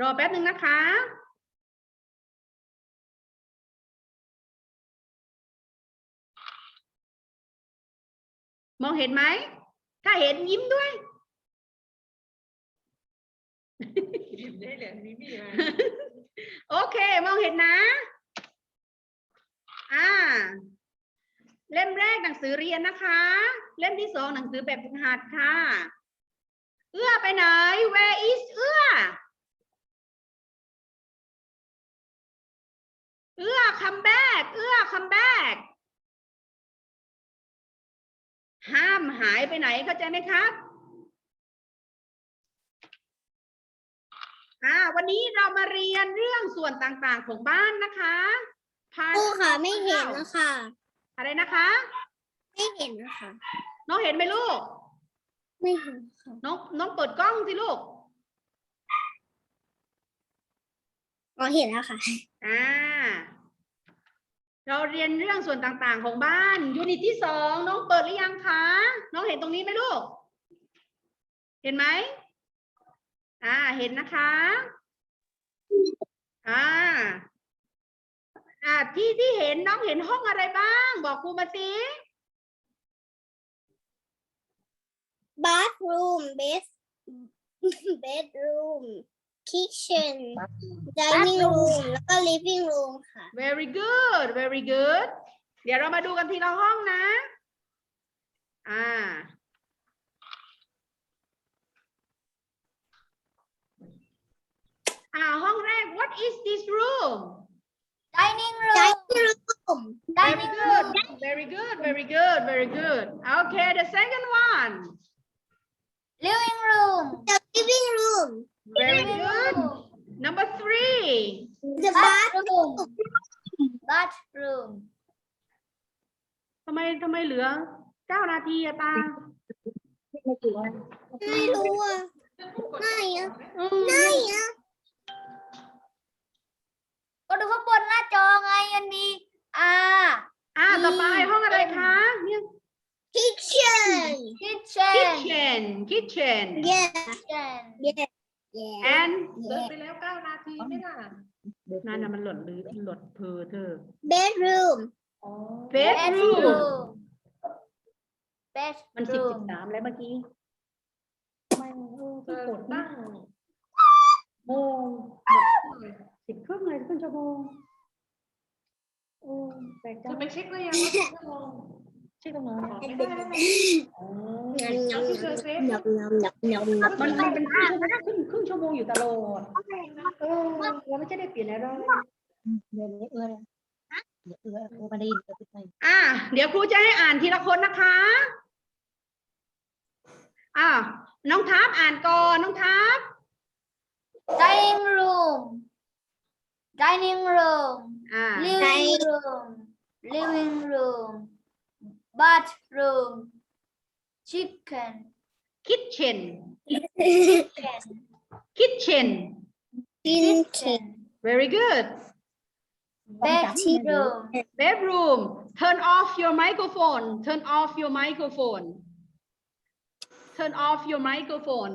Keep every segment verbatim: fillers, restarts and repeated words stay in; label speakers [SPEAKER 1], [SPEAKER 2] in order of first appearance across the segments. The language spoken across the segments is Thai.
[SPEAKER 1] รอแป๊บหนึ่งนะคะมองเห็นไหมถ้าเห็นยิ้มด้วยยิ้มได้เลยนี่มีอะไรโอเคมองเห็นนะอ่าเล่มแรกหนังสือเรียนนะคะเล่มที่สองหนังสือแบบฝึกหัดค่ะเอื้อไปไหน where is เอื้อเอื้อ come back เอื้อ come back ห้ามหายไปไหนเข้าใจไหมครับอ่าวันนี้เรามาเรียนเรื่องส่วนต่างๆของบ้านนะคะ
[SPEAKER 2] ครูค่ะไม่เห็นนะคะ
[SPEAKER 1] อะไรนะคะ
[SPEAKER 2] ไม่เห็นนะคะ
[SPEAKER 1] น้องเห็นไหมลูก
[SPEAKER 2] ไม่เห็นค่ะ
[SPEAKER 1] น้องน้องเปิดกล้องสิลูก
[SPEAKER 2] อ๋อเห็นแล้วค่ะ
[SPEAKER 1] อ่าเราเรียนเรื่องส่วนต่างๆของบ้านยูนิตที่สองน้องเปิดหรือยังคะน้องเห็นตรงนี้ไหมลูก เห็นไหมอ่าเห็นนะคะอ่าอ่าที่ที่เห็นน้องเห็นห้องอะไรบ้างบอกครูมาสิ
[SPEAKER 2] bathroom bed bedroom kitchen dining room แล้วก็ living room ค่ะ
[SPEAKER 1] very good very good เดี๋ยวเรามาดูกันทีละห้องนะอ่าอ่าห้องแรก what is this room
[SPEAKER 2] dining room dining room
[SPEAKER 1] very good very good very good very good okay the second one
[SPEAKER 2] living room the living room
[SPEAKER 1] very good number three
[SPEAKER 2] the bathroom bathroom
[SPEAKER 1] ทำไมทำไมเหลือเก้านาทีอะตา
[SPEAKER 2] ไม่รู้อ่ะไม่อ่ะไม่อ่ะก็ดูข้างบนหน้าจอไงมันมีอ่า
[SPEAKER 1] อ่าต่อไปห้องอะไรคะเนี่ย
[SPEAKER 2] kitchen kitchen
[SPEAKER 1] kitchen kitchen
[SPEAKER 2] yes yes yes
[SPEAKER 1] and
[SPEAKER 3] เดินไปแล้วเก้านาทีไม่ล่ะ
[SPEAKER 1] นั่นน่ะมันหล่นหรือหล่นเพอเธอ
[SPEAKER 2] bedroom
[SPEAKER 3] อ๋อ
[SPEAKER 1] bedroom มันสิบ
[SPEAKER 2] bedroom
[SPEAKER 1] สิบสามแล้วเมื่อกี้
[SPEAKER 3] ไม่เออตั้งโมง
[SPEAKER 1] สิบครึ่งเลยครึ่งชั่วโมงโอ้แปลกจั
[SPEAKER 3] จะ
[SPEAKER 1] ง
[SPEAKER 3] ไปเช็คหรือยังว่าชั่วโมง
[SPEAKER 1] ใช่ตรงนั้น
[SPEAKER 3] บอกไม่ได้แล้วนะ
[SPEAKER 1] อ๋อ
[SPEAKER 3] เอาที่เธอเซฟ
[SPEAKER 2] นับนับนับนับนับ
[SPEAKER 1] มันมันเป็นครึ่งชั่วโมงครึ่งครึ่งชั่วโมงอยู่ตลอดเออเราไม่ใช่ได้เปลี่ยนอะไร
[SPEAKER 2] เดี๋ยวนี้เอื้อเดี๋ยวเอื้อเอื้อมาได้ยินเอื้อไป
[SPEAKER 1] อ่ะเดี๋ยวครูจะให้อ่านทีละคนนะคะอ่ะน้องทัพอ่านก่อนน้องทัพ
[SPEAKER 2] dining room dining room
[SPEAKER 1] อ่า
[SPEAKER 2] living room living room bathroom chicken
[SPEAKER 1] kitchen
[SPEAKER 2] kitchen
[SPEAKER 1] kitchen
[SPEAKER 2] kitchen
[SPEAKER 1] very good
[SPEAKER 2] bedroom
[SPEAKER 1] bedroom turn off your microphone turn off your microphone turn off your microphone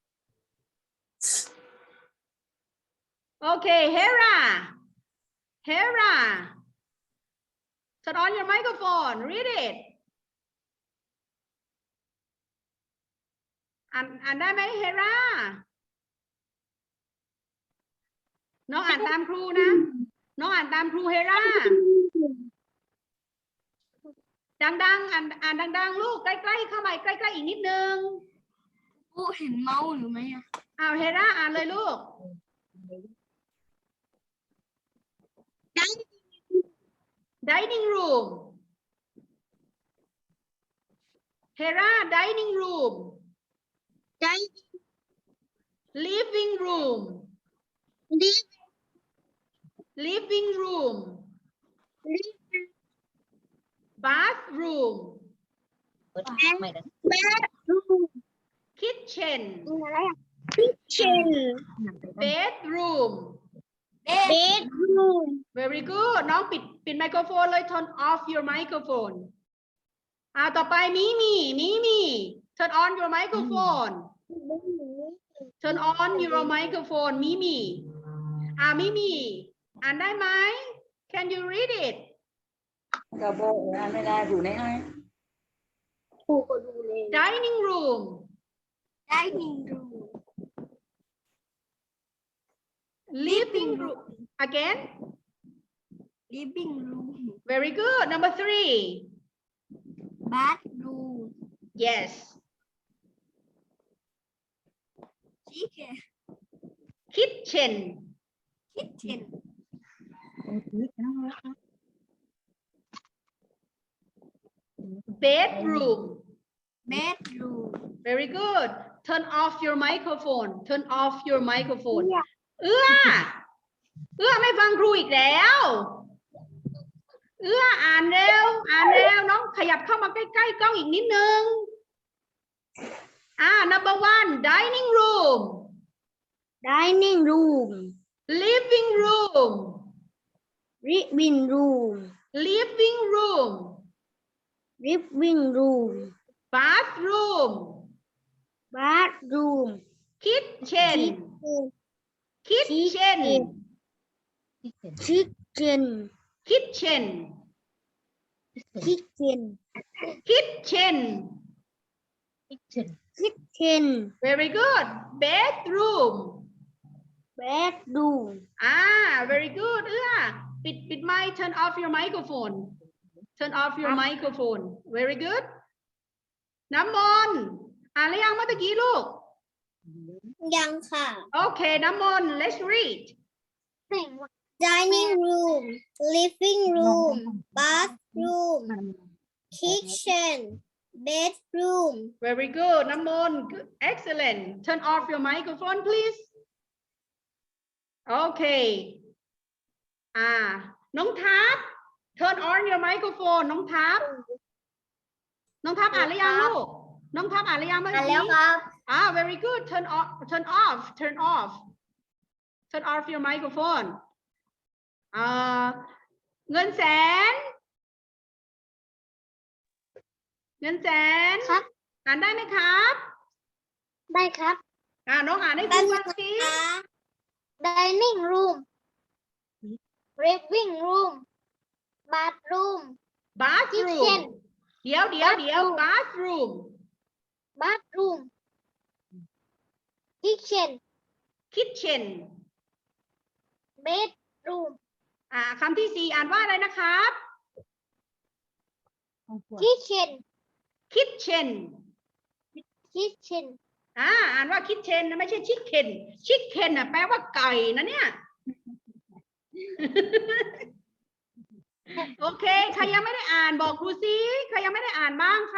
[SPEAKER 1] okay Hera Hera turn on your microphone read it อ่านอ่านได้ไหม Hera น้องอ่านตามครูนะน้องอ่านตามครู Hera ดังๆอ่านอ่านดังๆลูกใกล้ๆเข้ามาใกล้ๆอีกนิดนึง
[SPEAKER 2] ผู้เห็นเมาส์หรือไม่อะ
[SPEAKER 1] อ้าวเฮราอ่านเลยลูก dining room เฮรา dining room living room living room bathroom kitchen
[SPEAKER 2] kitchen
[SPEAKER 1] bedroom
[SPEAKER 2] bedroom
[SPEAKER 1] very good น้องปิดปิดไมโครโฟนเลย turn off your microphone อ่าต่อไปมีมีมีมี turn on your microphone turn on your microphone มิมีอ่ามิมีอ่านได้ไหม can you read it
[SPEAKER 3] กับโบอ่านไม่ได้ดูได้ไง
[SPEAKER 2] ครูก็ดูเลย
[SPEAKER 1] dining room
[SPEAKER 2] dining room
[SPEAKER 1] living room again
[SPEAKER 2] living room
[SPEAKER 1] very good number three
[SPEAKER 2] bathroom
[SPEAKER 1] yes
[SPEAKER 2] kitchen
[SPEAKER 1] kitchen
[SPEAKER 2] kitchen
[SPEAKER 1] bedroom
[SPEAKER 2] bedroom
[SPEAKER 1] very good turn off your microphone turn off your microphone เอื้อเอื้อไม่ฟังครูอีกแล้ว เอื้ออ่านเร็ว อ่านเร็ว น้องขยับเข้ามาใกล้ๆกล้องอีกนิดนึง อ่า number one dining room
[SPEAKER 2] dining room
[SPEAKER 1] living room
[SPEAKER 2] living room
[SPEAKER 1] living room
[SPEAKER 2] living room
[SPEAKER 1] bathroom
[SPEAKER 2] bathroom
[SPEAKER 1] kitchen kitchen
[SPEAKER 2] kitchen
[SPEAKER 1] kitchen
[SPEAKER 2] kitchen
[SPEAKER 1] kitchen
[SPEAKER 2] kitchen
[SPEAKER 1] very good bedroom
[SPEAKER 2] bedroom
[SPEAKER 1] อ่า very good เอื้อปิดปิดไมค์ turn off your microphone turn off your microphone very good น้ำมนต์อ่านหรือยังเมื่อตะกี้ลูก
[SPEAKER 2] ยังค่ะ
[SPEAKER 1] โอเค น้ำมนต์ let's read
[SPEAKER 2] dining room living room bathroom kitchen bedroom
[SPEAKER 1] very good น้ำมนต์ good. excellent turn off your microphone please โอเค อ่า น้องทัพ turn on your microphone น้องทัพ น้องทัพอ่านหรือยังลูก น้องทัพอ่านหรือยังเมื่อ
[SPEAKER 2] อ่าน
[SPEAKER 1] กี้
[SPEAKER 2] แล้วครับ
[SPEAKER 1] อ่า very good turn off turn off turn off turn off your microphone อ่า เงินแสน เงินแสน
[SPEAKER 2] ครับ
[SPEAKER 1] อ่านได้ไหมครับ
[SPEAKER 2] ได้ครับ
[SPEAKER 1] อ่าน้องอ่านให้ครูฟังสิ
[SPEAKER 2] dining room living room bathroom
[SPEAKER 1] bathroom
[SPEAKER 2] kitchen
[SPEAKER 1] เดี๋ยวเดี๋ยวเดี๋ยว bathroom
[SPEAKER 2] bathroom kitchen
[SPEAKER 1] kitchen
[SPEAKER 2] bedroom
[SPEAKER 1] อ่าคำที่สี่อ่านว่าอะไรนะครับ
[SPEAKER 2] kitchen
[SPEAKER 1] kitchen
[SPEAKER 2] kitchen
[SPEAKER 1] อ่าอ่านว่า kitchen นะไม่ใช่ chicken chicken น่ะแปลว่าไก่นะเนี่ย โอเค ใครยังไม่ได้อ่านบอกครูซิใครยังไม่ได้อ่านบ้างคะ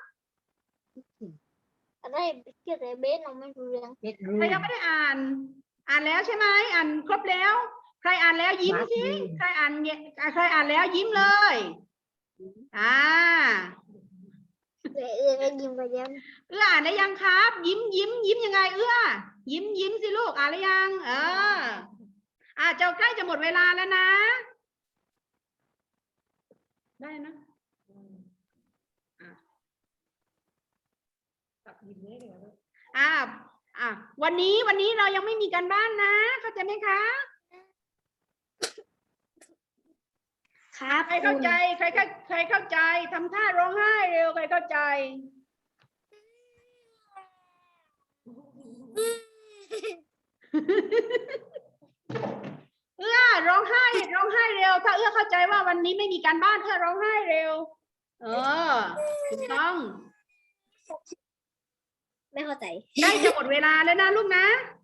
[SPEAKER 2] อะไรเกี่ยวกับเบสเราไม่รู้เรื่อง
[SPEAKER 1] ใครยังไม่ได้อ่าน อ่านแล้วใช่ไหมอ่านครบแล้ว ใครอ่านแล้วยิ้มสิใครอ่านเนี่ยใครอ่านแล้วยิ้มเลยอ่า
[SPEAKER 2] เออเออก็ยิ้มไปยัง
[SPEAKER 1] เอื้ออ่านได้ยังครับ ยิ้มยิ้มยิ้มยังไง เอื้อยิ้มยิ้มสิลูกอ่านได้ยัง เอออ่าเจ้าใกล้จะหมดเวลาแล้วนะ ได้นะอ่ะอ่าอ่ะวันนี้วันนี้เรายังไม่มีการบ้านนะเข้าใจไหมคะ
[SPEAKER 2] ครับ
[SPEAKER 1] ใครเข้าใจใครเข้าใครเข้าใจทำท่าร้องไห้เร็วใครเข้าใจ เอื้อร้องไห้ร้องไห้เร็ว ถ้าเอื้อเข้าใจว่าวันนี้ไม่มีการบ้านเอื้อร้องไห้เร็ว เออถูกต้อง
[SPEAKER 2] ไม่เข้าใจ
[SPEAKER 1] ใกล้จะหมดเวลาแล้วนะลูกนะ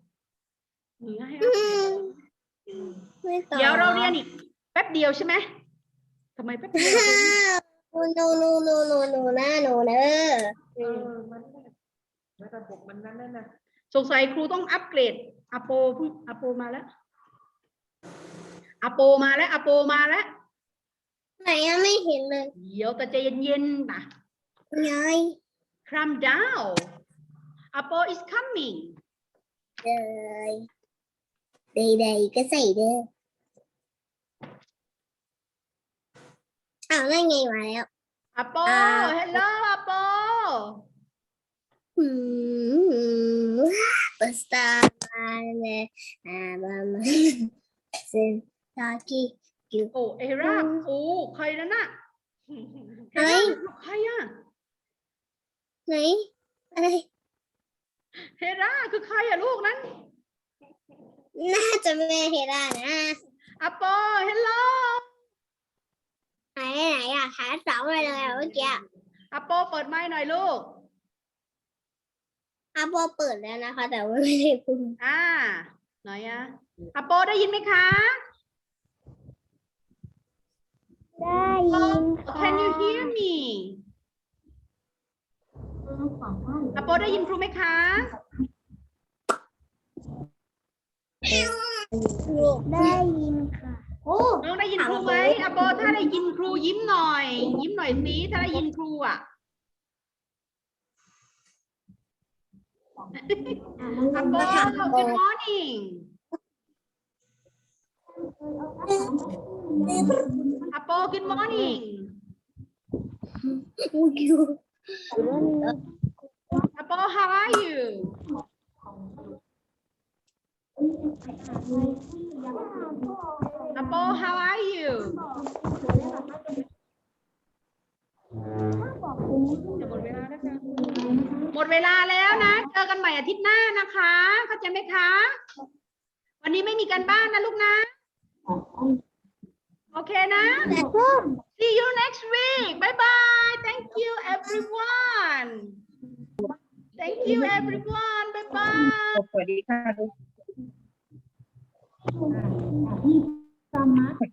[SPEAKER 1] เดี๋ยวเราเรียนอีกแป๊บเดียวใช่ไหมทำไมแป๊บเดียว
[SPEAKER 2] โนโนโนโนโนนะโนเนอ
[SPEAKER 3] เออมันแล้วระบบมันนั้นน่ะ
[SPEAKER 1] สงสัยครูต้องอัปเกรดอโปเพิ่งอโปมาแล้วอโปมาแล้วอโปมาแล้ว
[SPEAKER 2] ไหนยังไม่เห็นเลย
[SPEAKER 1] เดี๋ยวแต่ใจเย็นๆนะ
[SPEAKER 2] ไง
[SPEAKER 1] calm down อโป is coming
[SPEAKER 2] เลยใดๆก็ใส่เด้ออ้าวนั่นไงมาแล้ว
[SPEAKER 1] อโป hello อโป
[SPEAKER 2] อืมเปิด star man and sin taki
[SPEAKER 1] โอ้เอราโอ้ใครนั่นน่ะเอ
[SPEAKER 2] อะไร
[SPEAKER 1] ราใครอ่ะ
[SPEAKER 2] ไหนอะไร
[SPEAKER 1] เฮราคือใครอ่ะลูกนั้น
[SPEAKER 2] น่าจะไม่เฮรานะ
[SPEAKER 1] อโปเฮลโล
[SPEAKER 2] ไหนไหนอะหาสองมาเลยอะเมื่อกี้
[SPEAKER 1] อโปเปิดไมค์หน่อยลูก
[SPEAKER 2] อาโปเปิดแล้วนะคะ แต่ว่าไม่ได้พูด
[SPEAKER 1] อ่าหน่อยอะอโปได้ยินไหมคะ
[SPEAKER 2] ได้ยิน
[SPEAKER 1] Can you hear me อโปได้ยินครูไหมคะ
[SPEAKER 2] ได้ยินค่ะ โอ้
[SPEAKER 1] น้องได้ยินครูไหมอโปถ้าได้ยินครูยิ้มหน่อย ยิ้มหน่อยสิถ้าได้ยินครูอ่ะอโป Good morning อโป Good morning
[SPEAKER 2] อุ้ย
[SPEAKER 1] อโป How are you อโป How are you จะหมดเวลาแล้วค่ะหมดเวลาแล้วนะ เจอกันใหม่อาทิตย์หน้านะคะ เข้าใจไหมคะ วันนี้ไม่มีการบ้านนะลูกนะ โอเคนะ See you next week bye bye thank you everyone thank you everyone bye bye
[SPEAKER 3] สวัสดีค่ะ